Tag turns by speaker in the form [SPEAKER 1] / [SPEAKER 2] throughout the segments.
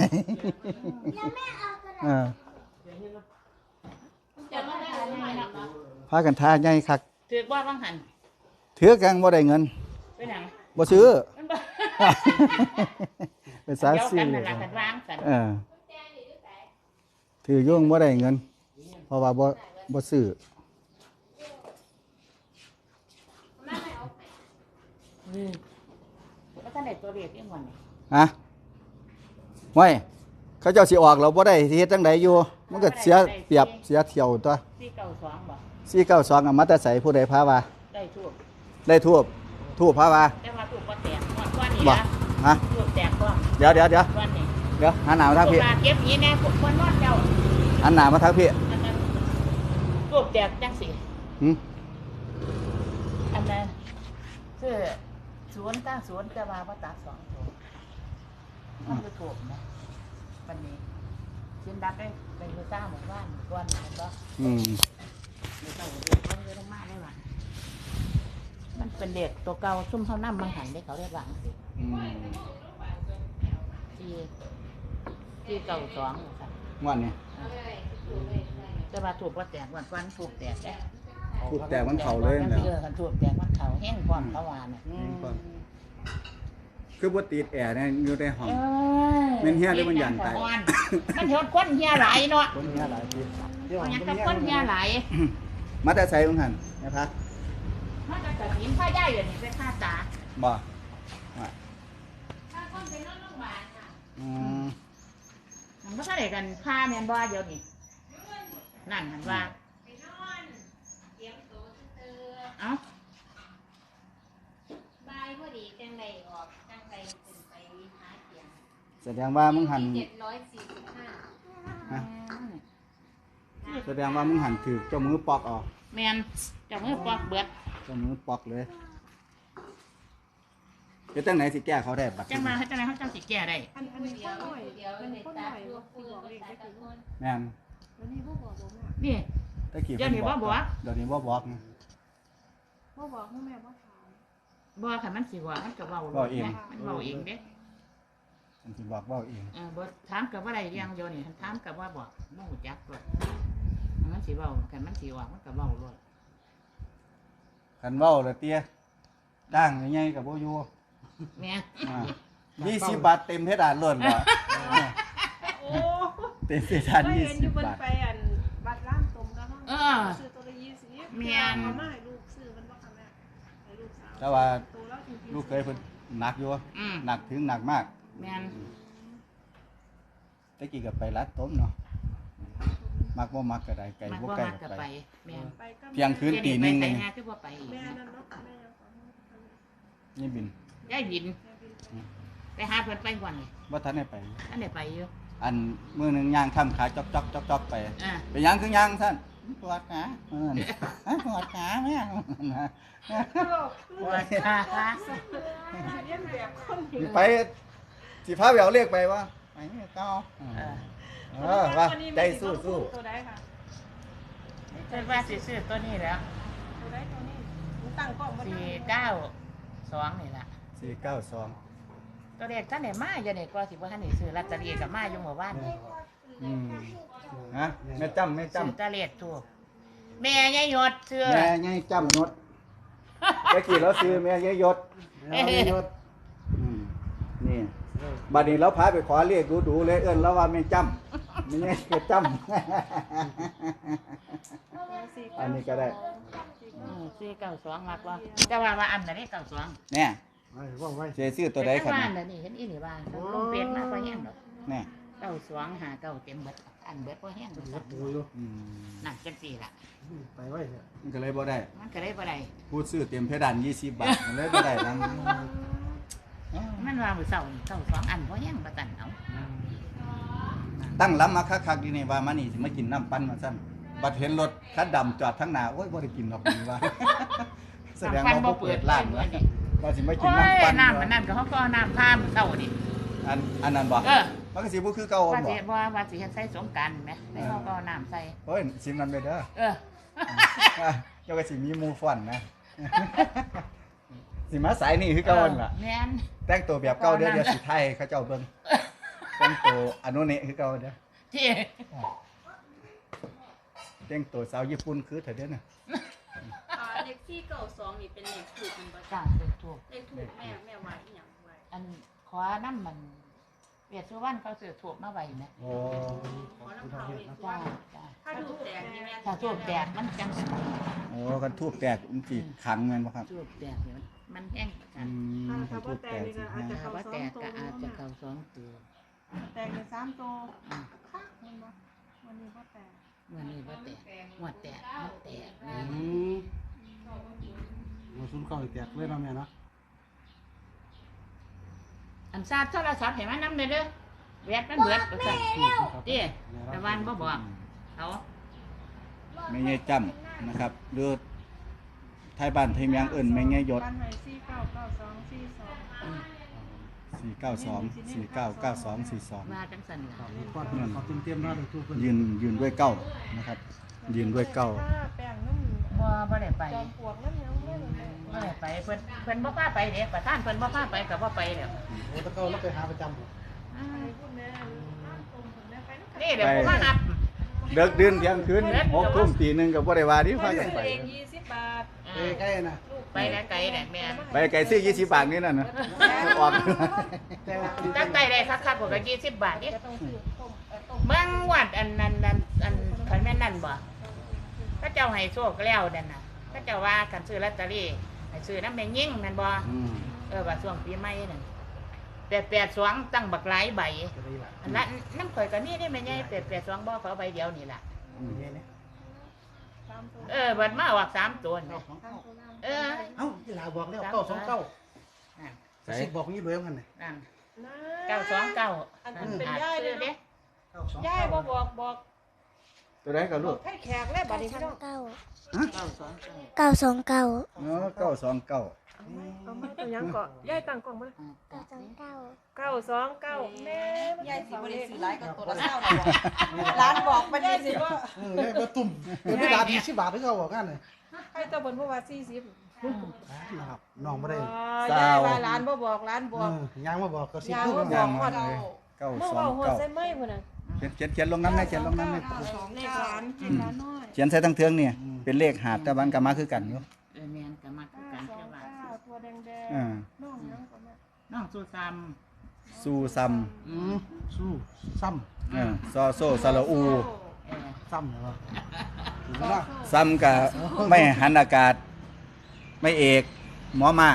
[SPEAKER 1] เออพากันทาใหญ่คัก
[SPEAKER 2] ถือว่าบางหัน
[SPEAKER 1] ถือกันบ่ได้เงิน
[SPEAKER 2] ไปหนัง
[SPEAKER 1] บ่ซื้อ
[SPEAKER 2] มันบ่
[SPEAKER 1] เป็นสาย
[SPEAKER 2] เดี๋ยว
[SPEAKER 1] ซื้อ
[SPEAKER 2] กันนั่นล่ะกันวางสัน
[SPEAKER 1] ถือโยงบ่ได้เงิน เพราะว่าบ่ซื้อ
[SPEAKER 2] แล้วท่านได้ตัวเรียกยังวันนี่
[SPEAKER 1] ฮะไว้เขาเจ้าสิออกเราบ่ได้สิเฮ็ดจังไดอยู่ มันก็เสียเปรียบเสียเที่ยวตัว
[SPEAKER 2] 492บ่
[SPEAKER 1] 492อะมาแต่ไสผู้ใดพาว่า
[SPEAKER 2] ได้ทั่ว
[SPEAKER 1] ได้ทูบพาว่า
[SPEAKER 2] แต่ว่าถูกบ่แตกหมดก้อนนี้
[SPEAKER 1] บ่
[SPEAKER 2] นะ
[SPEAKER 1] ฮะ
[SPEAKER 2] ถูกแตกก้อน
[SPEAKER 1] เดี๋ยว
[SPEAKER 2] ก้อนนี้
[SPEAKER 1] หาหน้ามาทางพี่
[SPEAKER 2] ถูกมาเก็บนี้แน่คนนอนเจ้า
[SPEAKER 1] หันหน้ามาทางพี่
[SPEAKER 2] อันนั้นถูกแตกจังสิ
[SPEAKER 1] หึ
[SPEAKER 2] อันนั้นคือ090จะว่าบ่ตัด2ตัวมันคือถูกนะวันนี้ชิ้นดักได้เป็นคือซ่าเหมือนว่านก้อนมันก็
[SPEAKER 1] อืม
[SPEAKER 2] ไม่ต้องเรียกว่าเยอะมากได้หรอมันเป็นเด็กตัวเก่าซุ่มเขานั่มมังหันได้เขาเรียกหลังสิ
[SPEAKER 1] อืม
[SPEAKER 2] ที่เก่าสองค่ะ
[SPEAKER 1] ม่วนนี่
[SPEAKER 2] จะมาถูกว่าแตกวันถูกแตกได้
[SPEAKER 1] ทูบแต่มันเข้าเลย
[SPEAKER 2] มัน
[SPEAKER 1] แล้ว
[SPEAKER 2] เจอกันถูกแตกมันเขาแห้งความเขาวานเนี่ย
[SPEAKER 1] คือบ่ติดแอร์เนี่ยอยู่ในห้อง แม่นเหี้ยหรือมันหยั่นไป
[SPEAKER 2] มันเหี่ยวก้นเหี่ยไหลเนาะ
[SPEAKER 1] คนเฮียหลายที
[SPEAKER 2] มันยังกับก้นเหี่ยไหล
[SPEAKER 1] มาแต่ไสของหั่นนะพะ
[SPEAKER 2] มันจะตัดหินผ้าย่ายอย่างนี้ไปฆ่าตา
[SPEAKER 1] บ่
[SPEAKER 2] ถ้าคนไปนอนโรงพยาบาลค่ะ
[SPEAKER 1] อืม
[SPEAKER 2] มันก็ได้กันผ้าแมนบ่เดียวนี่นั่นมันว่าเอ้า
[SPEAKER 3] บายพอดีจังใดออกจังใดเป็นไปหาเสียง
[SPEAKER 1] แสดงว่ามึงหัน
[SPEAKER 3] 745
[SPEAKER 1] ฮะแสดงว่ามึงหันถือเจ้ามือปอกออก
[SPEAKER 2] แมนจะมือปอกเบิด
[SPEAKER 1] เจ้ามือปอกเลยเดี๋ยวตั้งไหนสิแก้เขาได้บัด
[SPEAKER 2] จังมาให้จังไรเขาจังสิแก่ได้
[SPEAKER 4] อันนี้ข้อหน่อย
[SPEAKER 3] เดี๋ยว
[SPEAKER 4] มัน
[SPEAKER 3] ใน
[SPEAKER 4] ข้อห
[SPEAKER 3] ตา
[SPEAKER 4] น่อย
[SPEAKER 3] ตัว
[SPEAKER 4] ว่า
[SPEAKER 3] ผู้
[SPEAKER 4] สิบอกเลข
[SPEAKER 3] ตา
[SPEAKER 4] ได้
[SPEAKER 3] ตะ
[SPEAKER 4] กี่
[SPEAKER 3] คน
[SPEAKER 1] แม่น
[SPEAKER 4] แล้วนี่บ่บอกแม่
[SPEAKER 2] นี่
[SPEAKER 1] ตะกี้
[SPEAKER 2] เดี๋ยวนี้บ่บอก
[SPEAKER 1] เดี๋ยวนี้บ่บอกนะ
[SPEAKER 4] บ่บอกให้แม่บ่ถาม
[SPEAKER 2] บ่ค่ะมันสิว่ามันก็เว้า
[SPEAKER 1] เว้าเอง
[SPEAKER 2] มันเว้าเองเด้
[SPEAKER 1] มันสิบอกเว้าเอง
[SPEAKER 2] บ่ถามกับว่าได้เรื่องเดียวนี่ถามกับว่าบอกบ่ฮู้จักด้วยมันสิเว้าคันมันสิว่ามันก็เว้าด้วย
[SPEAKER 1] คันเว้าแล้วเตี้ยด่างใหญ่ๆก็บ่อยู่
[SPEAKER 2] แม่
[SPEAKER 1] 20 บาทเต็มเพดานล้วนบ่
[SPEAKER 4] โอ้
[SPEAKER 1] เต็มเพดาน
[SPEAKER 4] ไม่เห็นอยู่
[SPEAKER 1] 20
[SPEAKER 4] บน
[SPEAKER 1] บาท
[SPEAKER 4] ไปอันบัตรร้านตมก็ห้องซื้อตัวละ20เอามาให้ลูกซื้อมันบ่ค่ะแม่ให้ลูกสาว
[SPEAKER 1] แต่ว่า
[SPEAKER 4] ตัวแล้วจริงๆ
[SPEAKER 1] ลูกเคยเพิ่นหนักอยู่
[SPEAKER 2] ม
[SPEAKER 1] หนักถึงหนักมาก
[SPEAKER 2] แม่น
[SPEAKER 1] ตะกี้ก็ไปรัดต้มเนาะมักบ่มักก็ได้ไก่
[SPEAKER 2] มัน
[SPEAKER 1] บ่
[SPEAKER 2] บ่
[SPEAKER 1] ไก่
[SPEAKER 2] มัก
[SPEAKER 1] ก็
[SPEAKER 2] ก็
[SPEAKER 1] ไป
[SPEAKER 2] ไปแม่น
[SPEAKER 4] ไปก็
[SPEAKER 1] เที่ยงคืนตีหนึง
[SPEAKER 2] ไป
[SPEAKER 1] นี่
[SPEAKER 2] หาคือบ่ไปอีก
[SPEAKER 4] แม่
[SPEAKER 2] นะ
[SPEAKER 4] นั่นเนาะแม่ยังขอ
[SPEAKER 1] นี่บิน
[SPEAKER 2] ยายบิน
[SPEAKER 4] แม่บินไป
[SPEAKER 2] ไปหาเพิ่นไปก่อนนี่
[SPEAKER 1] บ่ทันได้ไป
[SPEAKER 2] อันได้ไปอยู่
[SPEAKER 1] อันมื้อหนึงย่างค่ำขาจอกๆๆๆไป
[SPEAKER 2] อ่า
[SPEAKER 1] ไปย่างคือย่างท่านปวดขาปวดขาแม่
[SPEAKER 2] ว่าค่ะ
[SPEAKER 4] เรียนแบบคน
[SPEAKER 1] สิไปสิพาไปเอาเลขไปว่าไปนี่เก้าว่าใจสู้
[SPEAKER 4] ตัวใดค่ะ
[SPEAKER 2] เพิ่นว่าสิซื้อตัวนี้แล้ว
[SPEAKER 4] ตัวใดตัวนี้หนูตั้งกล้องบ่ได้
[SPEAKER 2] 492นี่ล่ะ
[SPEAKER 1] 492
[SPEAKER 2] ตัวเลขท่านได้มาอยู่นี่ก็สิบ่ทันได้ซื้อลอตเตอรี่ก็มาอยู่เมื่อวานนี่
[SPEAKER 1] ฮะแม่จ้ำ
[SPEAKER 2] ซื้อตะเลขถูกแม่ยายหยดซื้อ
[SPEAKER 1] แม่ยายจ้ำนดตะกี้เราซื้อแม่ยายยศนี่บัดนี้เราพาไปขอเลขดูๆเลยเอิ้นแล้วว่าแม่จ้ำไม่ใช่แม่จ้ำอันนี้ก็ได้
[SPEAKER 2] 492มักบ่แต่ว่าอันน่ะนี่92
[SPEAKER 1] แน่เสียซื้อตัวใดครับ
[SPEAKER 2] แต่ว่าอันนี้เห็นอีหลีว่าลงเฟซมาบ่แห้งดอก
[SPEAKER 1] แน่
[SPEAKER 2] 9259เต็มเบิดอันเบิดบ่แห้งดอกนั่นจังซี่ล่ะ
[SPEAKER 1] มันก็เลยบ่ได้
[SPEAKER 2] มันก็ได้บ่ได้
[SPEAKER 1] พูดซื้อเตรียมเพดาน20 บาทมันเลยบ่ได้นัง
[SPEAKER 2] มันว่ามื้อเช้านี่22อันบ่แห้งบ่ตันเอา
[SPEAKER 1] ตั้งล้ำมาคักๆดีนี่ว่ามานี่สิมากินน้ำปั้นมาซั่นบัดเห็นรถคันดำจอดทั้งหน้าโอ้ยบ่ได้กินหรอกนี่ว่า แสดงว่าบ่เปิดร้านว่าสิมากิน
[SPEAKER 2] โอ้
[SPEAKER 1] น้ำ
[SPEAKER 2] ย
[SPEAKER 1] ปั้น
[SPEAKER 2] น้ำมันนั่นก็เขาก็เอาน้ำพามื้อเช้านี่
[SPEAKER 1] อันนั้นบ่
[SPEAKER 2] เออ
[SPEAKER 1] มันก็สิบ่คือเก่า
[SPEAKER 2] ว่า
[SPEAKER 1] บ่
[SPEAKER 2] สิว่าสิเฮ็ดใส่สงกรานต์แหมแล้วเขาก็เอาน้ำใส่
[SPEAKER 1] โอ้ยสิมันไปเด้อ
[SPEAKER 2] เออ
[SPEAKER 1] เจ้าก็สิมีหมู่ฟ้อนนะ สิมาสายนี่คือเก่าหั่นล่ะ
[SPEAKER 2] แม่น
[SPEAKER 1] แต่งตัวแบบเก่าเดี๋ยวสิไทยเขาเจ้าเบิ่งไปแต่งตัวอนุเนะคือเก่าเด้อ
[SPEAKER 2] ที่
[SPEAKER 1] แต่งตัวสาวญี่ปุ่นคือเถอะเด้อน่ะ
[SPEAKER 3] เลขที่92นี่เป็นเลขถูกมันบ่
[SPEAKER 2] จ้า
[SPEAKER 3] จ้ะ
[SPEAKER 2] เป็นถูก
[SPEAKER 3] เลขถูกแม่ไว้อีหยังไว้
[SPEAKER 2] อันขอน้ำมันเวียดสุวรรณเขาซื้อถูกมาไว้นะ
[SPEAKER 1] โอ้
[SPEAKER 3] ขอน้ำเผาอีก
[SPEAKER 2] จ้าจ้า
[SPEAKER 3] ถ้าถูกแตกนี่แม่
[SPEAKER 2] ถ้าถูกแตกมันจังสิ
[SPEAKER 1] โอ้กันทูบแตกมันสิขังแม่นบ่ครับ
[SPEAKER 2] ถูกแตกเนี่ยมันแห้งประกั
[SPEAKER 1] อื
[SPEAKER 2] น
[SPEAKER 1] ม
[SPEAKER 4] ถ้า
[SPEAKER 1] ทู
[SPEAKER 4] บ่
[SPEAKER 1] บ
[SPEAKER 4] แต
[SPEAKER 1] แต
[SPEAKER 4] ก
[SPEAKER 1] ก
[SPEAKER 4] นี่
[SPEAKER 1] สิ
[SPEAKER 4] ก็อาจจะ
[SPEAKER 2] ถ้า
[SPEAKER 4] เข้า
[SPEAKER 2] ว่า
[SPEAKER 4] สอ
[SPEAKER 2] แต
[SPEAKER 4] ง
[SPEAKER 2] ก
[SPEAKER 4] ตัว
[SPEAKER 2] ก็อาจจะเข้าสองตัว
[SPEAKER 4] แตกเป็น3ตัวค่ะมันบ่วันนี้บ่แตก
[SPEAKER 2] เมื่อนี้ว่าแตกหัวแตกมันแตกนะ
[SPEAKER 5] มาซุนเข้าอีกแตกเลยเนาะแม่เนาะ
[SPEAKER 2] อันซาดโทรศัพท์เห็นไหมน้ำเลยเด้อแวดมันเบิดประกัเตี้ยแต่วันบ่บอกเขา
[SPEAKER 1] แม่ยายจ้ำนะครับหรือไทยบ้านไทยเมียงเอิ้นแม่ยายยศ
[SPEAKER 4] บ้านไห้499242
[SPEAKER 2] ว่าจังสัน
[SPEAKER 5] ครั
[SPEAKER 2] ล่ะ
[SPEAKER 5] บก่อนเขาเต็มๆเนาะทุกคน
[SPEAKER 1] ยืนด้วยเก้านะครับ ยืนด้วยเก้า
[SPEAKER 4] แป้งน้ำ
[SPEAKER 2] บ่ได้ไป
[SPEAKER 4] จอมปลวกน้ำยังไม่เลย
[SPEAKER 2] บ่ได้ไปเพิ่นบ่พาไปเด้ประธานเพิ่นบ่พาไปก็บ่ไปแล้ว
[SPEAKER 5] โอ้ตะเกาแล้วไปหาประจำบ่
[SPEAKER 4] ไปพูดแม่น้ำตรงผมแม่ไปน้ำ
[SPEAKER 2] นี่เดี๋ยวผู้มานับ
[SPEAKER 1] เลิกดื่นเที่ยงคืน6 ทุ่มตี 1ก็บ่ได้ว่าดิพากันไป
[SPEAKER 4] เอง20 บาท
[SPEAKER 5] เอ้ใกล้น่ะ
[SPEAKER 2] ไปแล้วไกลแหละแม่
[SPEAKER 1] ไปไก่ซื้อ20 บาทนี่น่ะนะออก
[SPEAKER 5] แต่ว่า
[SPEAKER 2] ตั้งใจได้คักๆกว่า20 บาทนี่
[SPEAKER 4] จะต้องซื้อต้มต้ม
[SPEAKER 2] เบิ่งวัดอันนั้นอันคันแม่นนั่นบ่พระเจ้าให้โชคแล้วนั่นน่ะพระเจ้าว่าคันซื้อลอตเตอรี่ให้ซื้อนำแม่ยิ่งแม่นบ่
[SPEAKER 1] อืม
[SPEAKER 2] ว่าช่วงปีใหม่นั่น882ตั้งบักหลายใบ
[SPEAKER 5] จะได้ล่ะ
[SPEAKER 2] อันนั้นน้ำข่อยก็นี่ได้แม่ใหญ่882บ่เขาเอาใบเดียวนี่ล่ะ
[SPEAKER 5] นี่เนี่ย
[SPEAKER 4] 3 ตัว
[SPEAKER 2] บัดมาออก3ตัวนี่
[SPEAKER 4] 3 ตัว
[SPEAKER 2] เออ
[SPEAKER 5] เอ้าที่ลาบอกแล้ว929
[SPEAKER 2] นั่น
[SPEAKER 5] สิบอกนี่เลยมันน่ะ
[SPEAKER 2] นั่น
[SPEAKER 4] นะ
[SPEAKER 2] 929
[SPEAKER 4] อันเป็นย่าย
[SPEAKER 2] เล
[SPEAKER 4] เลย
[SPEAKER 2] ย
[SPEAKER 4] เนาะย่ายบ่บอก
[SPEAKER 1] ตัวใดก็
[SPEAKER 4] บ
[SPEAKER 1] ลู
[SPEAKER 4] อก
[SPEAKER 1] ก
[SPEAKER 4] ให้แขกเลยบัดนี้พี่น้อง
[SPEAKER 2] 929
[SPEAKER 6] 929
[SPEAKER 1] เนาะ929
[SPEAKER 4] เอามาตัวยังเกาะย่ายตั้งกล้องมา 929แม่ย่ายสิบ่ได้ซื้อหลายก็ตัวละเท่าร้านบอกมาได้สิว่า
[SPEAKER 5] เนี่ยบ่ตุ่มไม่ดา20 บาทที่เขาบอกกันน่ะ
[SPEAKER 4] ให้ตัวเพิ่นพูดว่า40
[SPEAKER 5] นะครับน้องบ่ได้
[SPEAKER 4] ย่ายว่าร้านบ่บอกร้านบอก
[SPEAKER 5] ยังมาบอกก็สิ
[SPEAKER 4] ยาง
[SPEAKER 5] พูด
[SPEAKER 4] บ่บ
[SPEAKER 5] ว่า
[SPEAKER 4] อกฮอดเมื่อว่าฮอดใส่
[SPEAKER 1] 929
[SPEAKER 4] ไม้พุ่นน่ะ
[SPEAKER 1] เขียนลงน้ำนะเขียนลงน้ำนะ
[SPEAKER 4] เลขร้านร้านน้อย
[SPEAKER 1] เขียนใส่ทั้งเทืองเนี่ยเป็นเลขหาดแต่วันก็มาคือกันอยู่
[SPEAKER 2] แม่นก็มาคือกันเจ้าว่า
[SPEAKER 4] 9ตัวแดง
[SPEAKER 1] อ่า
[SPEAKER 4] ๆน้องยังก็มา
[SPEAKER 2] น้องสู้ซ้
[SPEAKER 1] ซูซัม
[SPEAKER 5] สู้ซ้ำ
[SPEAKER 1] ซอโซซาลาอู
[SPEAKER 5] ซ้ำเหรอถูกไหมล่ะ
[SPEAKER 1] ซัมกับไม่หันอากาศ ไม่เอกหมอมา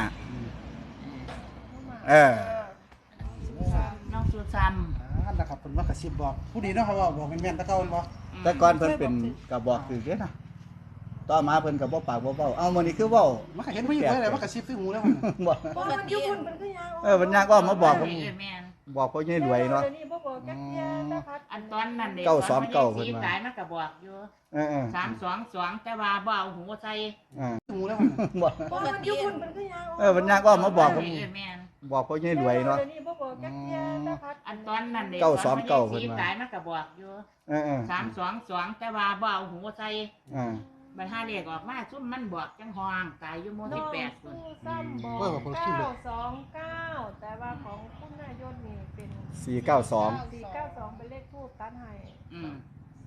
[SPEAKER 1] เออ
[SPEAKER 2] น้องสู้ซ้
[SPEAKER 5] นะครับเป็นว่ากระซิบบอกผู้ดีเนาะเขาบอกเป็นแม่นตะเกาบ่
[SPEAKER 1] แต่ก่อนเพิ่นเป็นกระบอกคือเด้นะต่อมาเพิ่นก็บ่ปากบ่เว้าเอามื้อนี้คือเว้า
[SPEAKER 5] มันก็เห็นผู้หญิงไว้เลยว่ากระซิบซื้อหมูแล้วมัน
[SPEAKER 1] บ่
[SPEAKER 4] บ่มันอยู่พุ่นมันก็ยาว
[SPEAKER 1] มันยากว่ามาบอก
[SPEAKER 2] ำ
[SPEAKER 1] ผม
[SPEAKER 2] แม่น
[SPEAKER 1] บอกพ่อใหญ่รวยเนาะ
[SPEAKER 4] ดี๋ยวนี้บ่บอกจักเที่ยนะครับ
[SPEAKER 2] อันตอนนั้นเด็
[SPEAKER 1] 929เพิ่นว่า
[SPEAKER 2] ตายมันก็บอกอยู่
[SPEAKER 1] เออ
[SPEAKER 2] 322แต่ว่าบ่เอาหูใส่
[SPEAKER 5] ซื้อหมูแล้วมัน
[SPEAKER 1] บ่
[SPEAKER 4] บ่มันอยู่พุ่นมันก็ยาว
[SPEAKER 1] มันยากว่ามาบอกผม
[SPEAKER 2] แม่น
[SPEAKER 1] บอกพ่อใหญ่รวยเนาะ
[SPEAKER 4] เดี๋ยวนี้บ่บอกจักเที่ยนะครับ
[SPEAKER 2] อันตอนนั้นเด็
[SPEAKER 1] 929เพิ่นว่า
[SPEAKER 2] ตายมันก็บอกอยู่
[SPEAKER 1] เออ
[SPEAKER 2] 322แต่ว่าบ่เอาหูใส่
[SPEAKER 1] อ่า
[SPEAKER 2] บัดหาเลขออกมาซุ่มมันบอกจังห้องตายอยู่โม
[SPEAKER 4] น้อง
[SPEAKER 2] 18พุ่น
[SPEAKER 4] สู้ซ้ำบอก929แต่ว่าของคุณนายนนี่เป็น
[SPEAKER 1] 492
[SPEAKER 4] 492เป็นเลขทูปตัดให้
[SPEAKER 2] อืม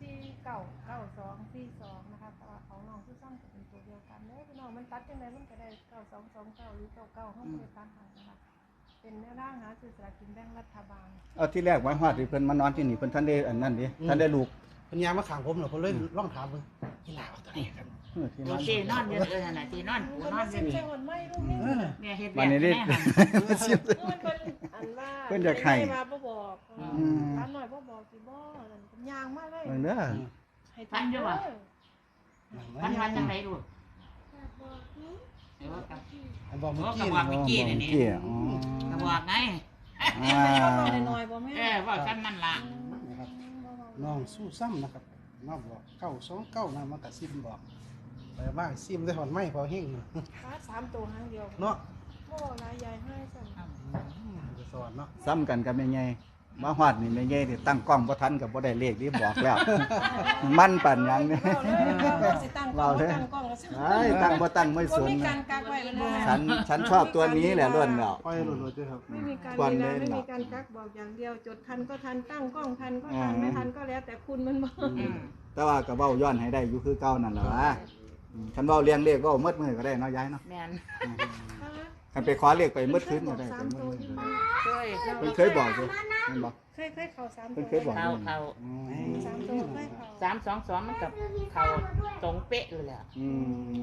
[SPEAKER 4] 499242นะคะแต่ว่าของน้องคือซ้ำจะเป็นตัวเดียวกันเด้อพี่น้องมันตัดจังไดมันก็ได้9229หรือ99เฮาบ่ได้ตัดให้นะคะเป็นแนวทางหาซื้อสลากกินแบ่งรัฐบาล
[SPEAKER 1] เอาที่แรกไว้ฮอดที่เพิ่นมานอนที่นี่เพิ่นท่านได้อันนั้นดิท่านได้ลูก
[SPEAKER 5] เป็นยามมาขังผมเหรอผมเลยลองถามมึงที่ลาวตัวนี้กัน
[SPEAKER 1] ที่
[SPEAKER 2] โอ
[SPEAKER 1] นั่น
[SPEAKER 2] เคนอนอยู่นั่นน่ะที่นอนกูนอนอยู่นี่
[SPEAKER 4] เจ้าคนไม่ลูกนี่
[SPEAKER 2] แม่เฮ็ด
[SPEAKER 1] วันนี้
[SPEAKER 2] แม่
[SPEAKER 1] ได้
[SPEAKER 2] หั่น
[SPEAKER 4] มันเป็นอันว่า
[SPEAKER 1] เพิ่นอยากให้
[SPEAKER 4] มาบ่บอก
[SPEAKER 2] อื
[SPEAKER 4] ร้านหน่อยบ่บอกสิบ่เป็นยางมาเลย
[SPEAKER 1] เด้อ
[SPEAKER 4] ให้
[SPEAKER 2] พันอยู่บ่ พันวันจังไดลูกเออกับ
[SPEAKER 5] บอก
[SPEAKER 2] โอ้
[SPEAKER 5] เมื่อ
[SPEAKER 2] กั
[SPEAKER 5] กี้
[SPEAKER 2] บว่าเมื่อกี้นี่นี่
[SPEAKER 1] อ๋อ
[SPEAKER 2] กับว่าไง
[SPEAKER 1] อ่า
[SPEAKER 4] ได้น้อยบ่แม่
[SPEAKER 2] ว่าฉันนั่นล่ะ
[SPEAKER 5] นะครับน้องสู้ซ้ำนะครับน้องบอก929นะมันกระซิบบอกไปบ้างซิมได้หอนไม้พอเฮง
[SPEAKER 4] ฟ้า3ตัวหางเดียว
[SPEAKER 5] เนาะ
[SPEAKER 4] บ่หลายใหญ่ให้สั่น
[SPEAKER 5] จะสอนเนาะ
[SPEAKER 1] ซ้ำกันกับแม่ใหญ่มาฮอดนี่แม่ใหญ่นี่ตั้งกล้องบ่ทันก็บ่ได้เลขนี่บอกแล้ว มันปั่นหยังนี่
[SPEAKER 4] เราสิตั้งกล้องตั้งกล้องแล้ว
[SPEAKER 1] ไอ้ตั้งบ่ตั้งไม่สน
[SPEAKER 4] มี
[SPEAKER 1] นะ
[SPEAKER 4] การกักไว้เลย
[SPEAKER 1] ฉันชอบตัวนี้แหละล้วนแล้ว
[SPEAKER 5] ปล่อยหลุดๆด้วยครับ
[SPEAKER 4] ไม่มีการ
[SPEAKER 1] ก่อน
[SPEAKER 4] เว
[SPEAKER 1] เล่
[SPEAKER 4] ลาน ไม่มีการกักบอกอย่างเดียวจดทันก็ทันตั้งกล้องทันก็ทัน
[SPEAKER 1] อืม
[SPEAKER 4] ไม่ทันก็แล้วแต่คุณมันบอก
[SPEAKER 1] แต่ว่าก็เว้าย้อนให้ได้อยู่คือเก่านั่นล่ะวะคันเว้าเลี้ยงเลขเว้าหมดมื้อก็ได้เนาะยายเนาะ
[SPEAKER 2] แม่น
[SPEAKER 1] คันไปขอเลขไปหมดคืนก็ได้
[SPEAKER 4] สามตัวที่บ้าน
[SPEAKER 2] เคย
[SPEAKER 1] เพิ่นเคยบอกอยู่แม่นบ่
[SPEAKER 4] เคยเข่าสาม
[SPEAKER 1] เพิ่
[SPEAKER 4] ตั
[SPEAKER 1] น
[SPEAKER 4] ว
[SPEAKER 1] เคยบอก
[SPEAKER 2] เขา
[SPEAKER 4] สามตัวเคยเข่า
[SPEAKER 2] 322มันกับเขาตรงเป๊ะเลยแหละ
[SPEAKER 1] อืม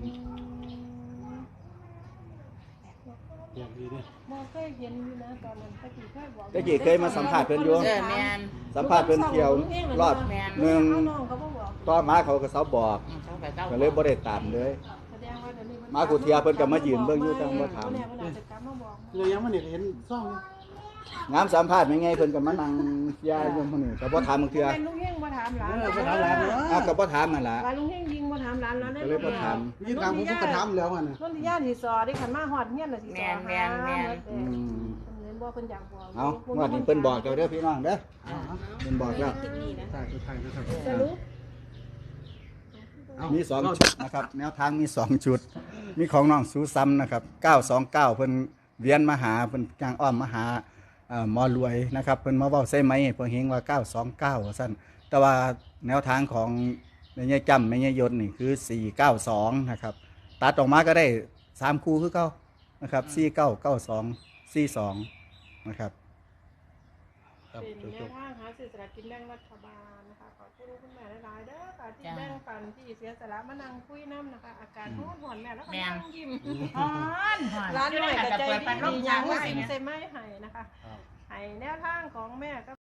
[SPEAKER 5] อย่างดีด้วย
[SPEAKER 4] มองเคยเห็นอยู่นะตอนนั้นตะกี้เคยบอก
[SPEAKER 1] ตะกี้เคยมาสัมภาษณ์เพิ่นอยู่
[SPEAKER 2] แม่น
[SPEAKER 1] สัมภาษณ์เพิ่นเที่ยวรอบ
[SPEAKER 2] แม่น
[SPEAKER 1] หนึง
[SPEAKER 4] เอาน้องเขาบ่บอก
[SPEAKER 1] ต่อมาเขาก็เซาบอก
[SPEAKER 2] เขาไปเก้า
[SPEAKER 1] ก็เลยบ่ได้ตามเลย
[SPEAKER 4] แสดงว่าเดี๋ยวนี้
[SPEAKER 1] มากูเทียเพิ่นก็มายืนเบิ่งอยู่แต่บ่ถาม
[SPEAKER 4] เนี่ยมันอาจจะกลับมาบอก
[SPEAKER 5] เลยยังมันเห็นซ่อง
[SPEAKER 1] งามสัมภาษณ์แม่ไงเพิ่นก็มานั่งยายอยู่มื้อนี้ก็บ่ถามบางเทื่อ
[SPEAKER 4] เป็นลุงเฮงบ่ถามหลาน
[SPEAKER 5] ไปถามหลานเนาะ
[SPEAKER 1] อ้าวก็บ่ถามนั่นล่ะ
[SPEAKER 4] ว่าลุงเฮงยิงบ่ถามหลานแล้ว
[SPEAKER 1] ก็เลยบ่ถาม
[SPEAKER 5] นี่ตามผมก็ถามแล้วมัน
[SPEAKER 4] นนทิยาสิสอได้ขันมาฮอดเฮียนน่ะสิสอ
[SPEAKER 1] อืม
[SPEAKER 4] เห็นบ่เพิ่นอยากบอก
[SPEAKER 1] เอางวดนี้เพิ่นบอกเจ้าเด้อพี่น้องเด้อเพิ่นบอกแล้ว
[SPEAKER 5] ใช่ใช่ครับ
[SPEAKER 4] สรุป
[SPEAKER 1] มี2ชุดนะครับแนวทางมี2ชุด มีของน้องสูซ้ำนะครับ929เพิ่นเวียนมาหาเพิ่นจ้างอ้อมมาหาหมอรวยนะครับเพิ่นมาเว้าใส่ไม้เพิ่นเฮงว่า929ว่าซั่นแต่ว่าแนวทางของแม่ยายจำแม่ยายยนต์นี่คือ492นะครับตัดออกมาก็ได้3คู่คือเก่านะครับ4992 42นะครับ
[SPEAKER 5] ครับ
[SPEAKER 4] เป็นแนวทางหาสื่อสลารกินแบ่งรัฐบาลนะคะขอบคุณคุณแม่หลายๆเด้อค่ะที่แบ่งปันที่เสียสละมานั่งคุยน้ำนะคะอาการร้อนแม่แล้วก็นั่งยิ้ม
[SPEAKER 2] ฮ้อนฮ้อน
[SPEAKER 4] ร้านหน่อยกับใจ
[SPEAKER 2] เปิดพัดล
[SPEAKER 4] ดี
[SPEAKER 2] ม
[SPEAKER 4] อย่าง
[SPEAKER 2] ไว้
[SPEAKER 4] ว่าสิ
[SPEAKER 2] เนี่ย
[SPEAKER 4] ใส่ไม้ให้นะคะให้แนวทางของแม่ก็